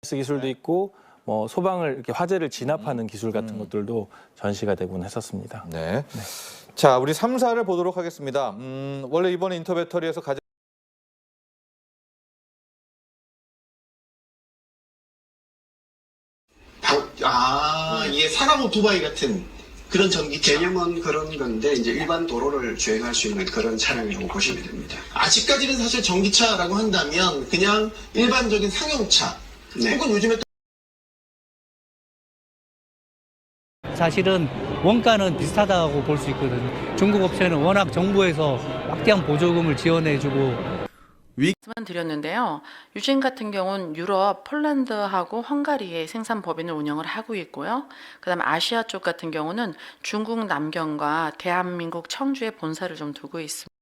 기술도 있고 뭐 소방을 이렇게 화재를 진압하는 기술 같은 것들도 전시가 되곤 했었습니다. 네. 자, 우리 3사를 보도록 하겠습니다. 원래 이번에 인터배터리에서 가장 이게 사람 오토바이 같은 그런 전기차. 개념은 그런 건데 이제 일반 도로를 주행할 수 있는 그런 차량이라고 보시면 됩니다. 아직까지는 사실 전기차라고 한다면 그냥 일반적인 상용차 네. 혹은 요즘에 사실은 원가는 비슷하다고 볼 수 있거든요. 중국 업체는 워낙 정부에서 막대한 보조금을 지원해주고 말씀을 드렸는데요. 유진 같은 경우는 유럽, 폴란드하고 헝가리에 생산 법인을 운영을 하고 있고요. 그다음 아시아 쪽 같은 경우는 중국 남경과 대한민국 청주에 본사를 좀 두고 있습니다.